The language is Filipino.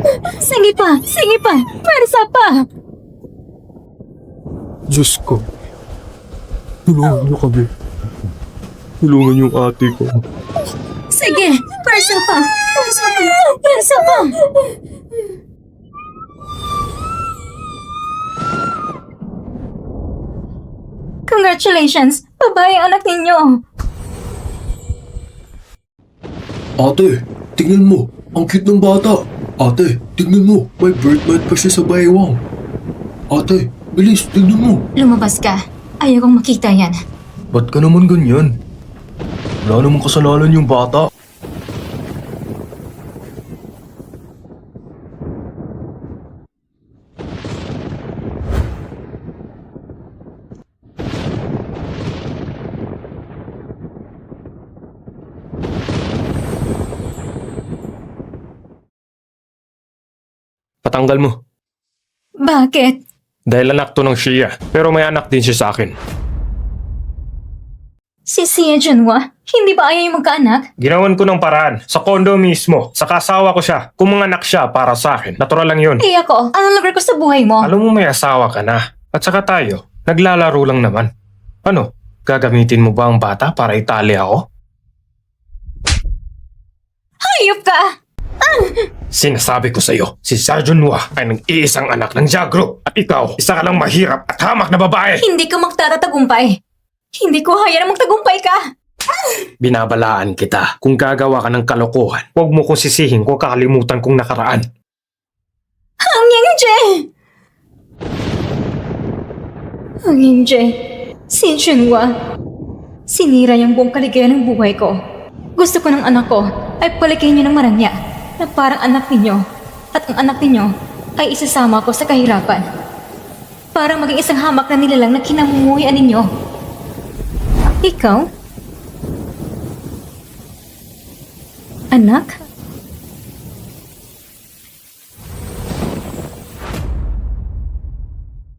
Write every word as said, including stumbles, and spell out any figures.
Sige pa, sige pa, pwersa pa. Diyos ko. Tulungan niyo kami. Tulungan yung ate ko. Sige, pwersa pa, pwersa pa, pwersa pa. Congratulations, babae ang anak ninyo. Ate, tingnan mo. Ang cute ng bata. Ate, tingnan mo. May birthmark pa siya sa baywang. Ate, bilis, tingnan mo. Lumabas ka. Ayokong makita yan. Ba't ka naman ganyan? Wala namang kasalanan yung bata. Patanggal mo. Bakit? Dahil anak to ng Shia, pero may anak din siya sa akin. Si Sia Junwa, hindi ba ayaw yung magkaanak? Ginawan ko ng paraan. Sa kondo mismo. Sa kasawa ko siya. Kung mga anak siya para sa akin. Natural lang yun. Eh ako, anong lugar ko sa buhay mo? Alam mo may asawa ka na. At saka tayo, naglalaro lang naman. Ano? Gagamitin mo ba ang bata para itali ako? Hayop ka! Sinasabi ko sa'yo, si Sergeant Noah ay nag-iisang anak ng Jagro. At ikaw, isa ka lang mahirap at hamak na babae. Hindi ka magtatatagumpay. Hindi ko haya na magtagumpay ka. Binabalaan kita. Kung gagawa ka ng kalokohan, huwag mo kong sisihin kung kakalimutan kong nakaraan. Ang Yangje! Ang Yangje, si Junwa, sinira yung buong kaligayahan ng buhay ko. Gusto ko ng anak ko ay palikin niyo ng marangya na parang anak ninyo at ang anak ninyo ay isasama ko sa kahirapan. Para maging isang hamak na nilalang na kinamumuhian ninyo. Ikaw? Anak?